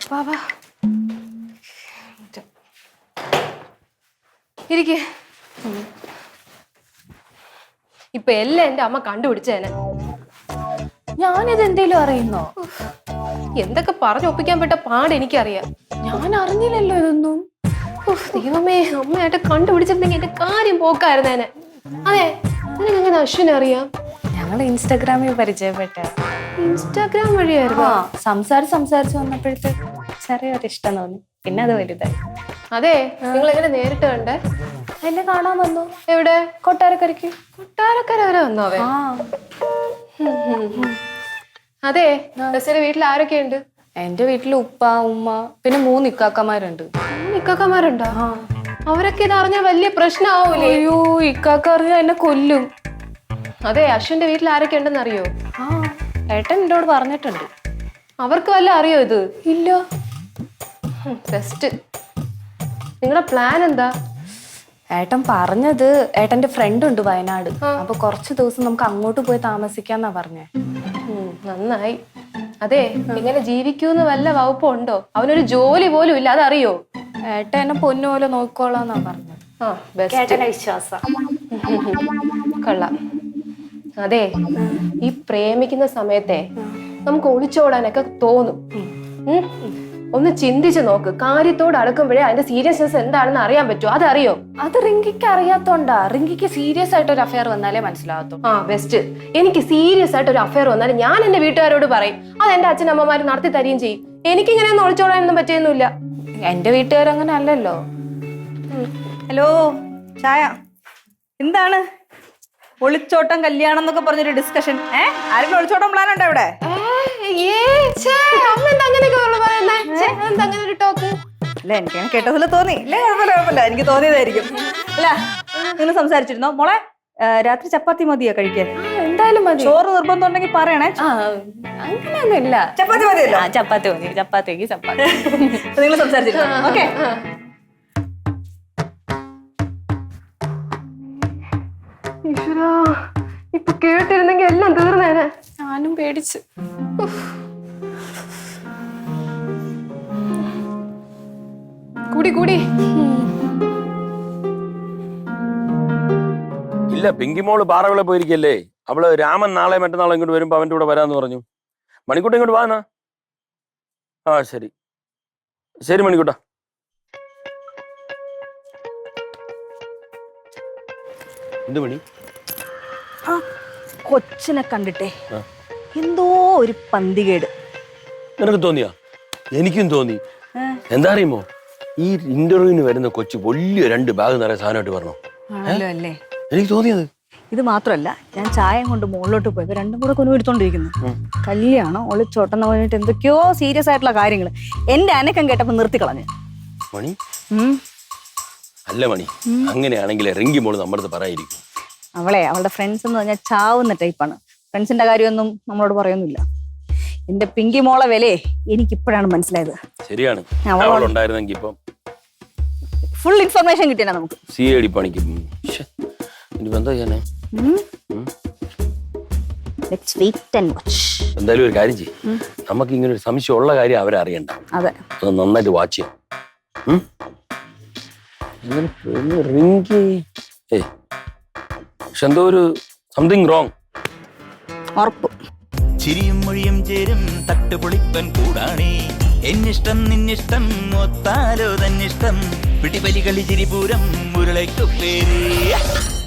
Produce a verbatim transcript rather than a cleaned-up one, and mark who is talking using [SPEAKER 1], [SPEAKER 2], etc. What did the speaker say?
[SPEAKER 1] വാ വാ ഇരിക്കെ. ഇപ്പൊ എല്ലാം എന്റെ അമ്മ കണ്ടുപിടിച്ചേനെ.
[SPEAKER 2] ഞാനിത് എന്തേലും അറിയുന്നോ?
[SPEAKER 1] എന്തൊക്കെ പറഞ്ഞൊപ്പിക്കാൻ പറ്റ പാട് എനിക്കറിയാം.
[SPEAKER 2] ഞാൻ അറിഞ്ഞില്ലല്ലോ ഇതൊന്നും.
[SPEAKER 1] ദൈവമേ, അമ്മയായിട്ട് കണ്ടുപിടിച്ചിരുന്നെങ്കിൽ എന്റെ കാര്യം പോക്കായിരുന്നേനെ. അതെ, നിനക്ക് എങ്ങനെ അശ്വിനെ അറിയാം?
[SPEAKER 2] ഞങ്ങൾ ഇൻസ്റ്റാഗ്രാമിൽ പരിചയപ്പെട്ട.
[SPEAKER 1] ഇൻസ്റ്റാഗ്രാം വഴിയായിരുന്നു?
[SPEAKER 2] സംസാരിച്ച് സംസാരിച്ച് വന്നപ്പോഴത്തേക്ക് ചെറിയൊരു ഇഷ്ടം തോന്നി, പിന്നെ അത് വലുതായി.
[SPEAKER 1] അതെ, നിങ്ങൾ എങ്ങനെ നേരിട്ട് കണ്ടേ?
[SPEAKER 2] എന്നെ കാണാൻ വന്നു.
[SPEAKER 1] എവിടെ?
[SPEAKER 2] കൊട്ടാരക്കരയ്ക്ക്.
[SPEAKER 1] കൊട്ടാരക്കര വരെ വന്നോ അവൻ? അതെ, ബസ്സിന്റെ വീട്ടിൽ ആരൊക്കെയുണ്ട്?
[SPEAKER 2] എന്റെ വീട്ടിൽ ഉപ്പ, ഉമ്മ, പിന്നെ മൂന്ന് ഇക്കാക്കമാരുണ്ട്.
[SPEAKER 1] ഇക്കാക്കമാരുണ്ടോ? അവരൊക്കെ ഇത് അറിഞ്ഞാൽ വലിയ പ്രശ്നമാവൂലേ?
[SPEAKER 2] അയ്യോ, ഇക്കാക്ക അറിഞ്ഞാൽ എന്നെ കൊല്ലും.
[SPEAKER 1] അതെ, അശ്വിന്റെ വീട്ടിൽ ആരൊക്കെ ഉണ്ടെന്ന് അറിയോ?
[SPEAKER 2] ആ, ഏട്ടൻ എന്നോട് പറഞ്ഞിട്ടുണ്ട്.
[SPEAKER 1] അവർക്ക് വല്ല അറിയോ ഇത്?
[SPEAKER 2] ഇല്ല.
[SPEAKER 1] ബെസ്റ്റ്. നിങ്ങളുടെ പ്ലാൻ എന്താ?
[SPEAKER 2] ഏട്ടൻ പറഞ്ഞത് ഏട്ടന്റെ ഫ്രണ്ട് ഉണ്ട് വയനാട്, അപ്പൊ കുറച്ച് ദിവസം നമുക്ക് അങ്ങോട്ട് പോയി താമസിക്കാന്നാ പറഞ്ഞേ.
[SPEAKER 1] നന്നായി. അതെ, ഇങ്ങനെ ജീവിക്കൂന്ന് വല്ല വകുപ്പുണ്ടോ? അവനൊരു ജോലി പോലും ഇല്ല, അതറിയോ?
[SPEAKER 2] ഏട്ടൻ എന്നെ പൊന്നുപോലെ നോക്കോളാന്നാ പറഞ്ഞത്.
[SPEAKER 1] ആ, ബെസ്റ്റ്
[SPEAKER 2] വിശ്വാസം.
[SPEAKER 1] കൊള്ളാം. അതെ, ഈ പ്രേമിക്കുന്ന സമയത്തെ നമുക്ക് ഒളിച്ചോടാനൊക്കെ തോന്നും. ഒന്ന് ചിന്തിച്ചു നോക്ക്. കാര്യത്തോട് അടുക്കുമ്പോഴേ അതിന്റെ സീരിയസ്നെസ് എന്താണെന്ന് അറിയാൻ പറ്റുമോ? അതറിയോ?
[SPEAKER 2] അത് റിങ്കിക്ക് അറിയാത്തോണ്ടാ. റിങ്കിക്ക് സീരിയസ് ആയിട്ട് ഒരു അഫയർ വന്നാലേ മനസ്സിലാകത്തു.
[SPEAKER 1] ആ, ബെസ്റ്റ്. എനിക്ക് സീരിയസ് ആയിട്ട് ഒരു അഫയർ വന്നാലും ഞാൻ എന്റെ വീട്ടുകാരോട് പറയും. അത് എന്റെ അച്ഛനമ്മമാര് നടത്തി തരികയും ചെയ്യും. എനിക്ക് ഇങ്ങനെയൊന്നും ഒളിച്ചോടാനൊന്നും പറ്റിയൊന്നുമില്ല.
[SPEAKER 2] എന്റെ വീട്ടുകാരങ്ങനെ അല്ലല്ലോ.
[SPEAKER 3] ഹലോ, ചായ. എന്താണ് ഒളിച്ചോട്ടം കല്യാണം എന്നൊക്കെ പറഞ്ഞൊരു ഡിസ്കഷൻ? ഏഹ് ആരെങ്കിലും ഒളിച്ചോട്ടം പ്ലാൻ ഉണ്ടോ ഇവിടെ? അല്ല, എനിക്ക് കേട്ടതിൽ തോന്നി. ഇല്ലേ, കുഴപ്പമില്ല കുഴപ്പമില്ല എനിക്ക് തോന്നിയതായിരിക്കും. അല്ല, നിങ്ങൾ സംസാരിച്ചിരുന്നോ? മോളെ, രാത്രി ചപ്പാത്തി മതിയോ കഴിക്കാൻ?
[SPEAKER 2] എന്തായാലും മതി.
[SPEAKER 3] ചോറ് നിർബന്ധം ഉണ്ടെങ്കിൽ പറയണേ.
[SPEAKER 2] അങ്ങനെയൊന്നും ഇല്ല.
[SPEAKER 3] ചപ്പാത്തി മതിയല്ലോ?
[SPEAKER 2] ചപ്പാത്തി മതി. ചപ്പാത്തിക്ക് ചപ്പാത്തി.
[SPEAKER 3] നിങ്ങൾ സംസാരിച്ചിരുന്നോ? ഓക്കെ.
[SPEAKER 1] ഈശ്വരാ, ഇപ്പൊ കേട്ടിരുന്നെങ്കിൽ എല്ലാം തീർന്നേനെ.
[SPEAKER 2] ഞാനും പേടിച്ച്.
[SPEAKER 1] കൂടി കൂടി.
[SPEAKER 4] ഇല്ല, പിങ്കിമോള് പാറവിള പോയിരിക്കല്ലേ. അവള് രാമൻ നാളെ മറ്റന്നാളെ ഇങ്ങോട്ട് വരുമ്പോ അവന്റെ കൂടെ വരാന്ന് പറഞ്ഞു. മണിക്കൂട്ട ഇങ്ങോട്ട് വാന്നാ. ആ, ശരി ശരി മണിക്കൂട്ട. എന്ത് മണി?
[SPEAKER 3] ആ കൊച്ചിനെ കണ്ടിട്ടേ എന്തോ ഒരു പന്തികേട്.
[SPEAKER 4] നിനക്ക് തോന്നിയാ? എനിക്കും തോന്നി. എന്താ അറിയുമോ, ഈ ഇന്റർവ്യൂവിന് വരുന്ന കൊച്ചു വലിയ രണ്ട് ബാഗ് നിറയെ സാധനമായിട്ട് പറഞ്ഞു.
[SPEAKER 3] അല്ലേ,
[SPEAKER 4] എനിക്ക് തോന്നിയത്.
[SPEAKER 3] ഇത് മാത്രമല്ല, ഞാൻ ചായം കൊണ്ട് മുകളിലോട്ട് പോയപ്പോ രണ്ടും കൂടെ കൊന്നു എടുത്തോണ്ടിരിക്കുന്നു. കല്യാണം, ഒളിച്ചോട്ടെന്ന് പറഞ്ഞിട്ട് എന്തൊക്കെയോ സീരിയസ് ആയിട്ടുള്ള കാര്യങ്ങൾ. എന്റെ അനക്കം കേട്ടപ്പോ നിർത്തിക്കളഞ്ഞ്.
[SPEAKER 4] മണി അല്ല മണി, അങ്ങനെയാണെങ്കിൽ റിങ്കി മോള് നമ്മുടെ പറയായിരിക്കും.
[SPEAKER 3] അവളെ അവളുടെ ഫ്രണ്ട്സ് എന്ന് പറഞ്ഞാൽ ചാവുന്ന ടൈപ്പാണ്. ഫ്രണ്ട്സിന്റെ കാര്യമൊന്നും നമ്മളോട് പറയൊന്നുമില്ല. എന്റെ പിങ്കി മോളെ വിലയെ എനിക്കിപ്പോഴാണ് മനസ്സിലായത്.
[SPEAKER 4] ശരിയാണ്.
[SPEAKER 3] ഫുൾ ഇൻഫർമേഷൻ കിട്ടിയാ നമുക്ക്.
[SPEAKER 4] സി ഐ ഡി പണിക്ക് എന്തായാലും ഒരു കാര്യം ചെയ്യും. നമുക്ക് ഇങ്ങനെ ഒരു സംശയം ഉള്ള കാര്യം അവരെ അറിയണ്ട.
[SPEAKER 3] അതെ,
[SPEAKER 4] അത് നന്നായിട്ട് വാച്ച് ചെയ്യാം. റിങ്കി ഏ പക്ഷെ എന്തോ ഒരു സംതിങ് റോങ്.
[SPEAKER 3] ഉറപ്പ്.
[SPEAKER 5] ചിരിയും മൊഴിയും ചേരും തട്ടുപൊളിപ്പൻ കൂടാണേ. എന്നിഷ്ടം നിന്നിഷ്ടം ഒത്താലോ തന്നിഷ്ടം. പിടിപലി കളി ചിരിപൂരം മുരളയ്ക്കു പേര്.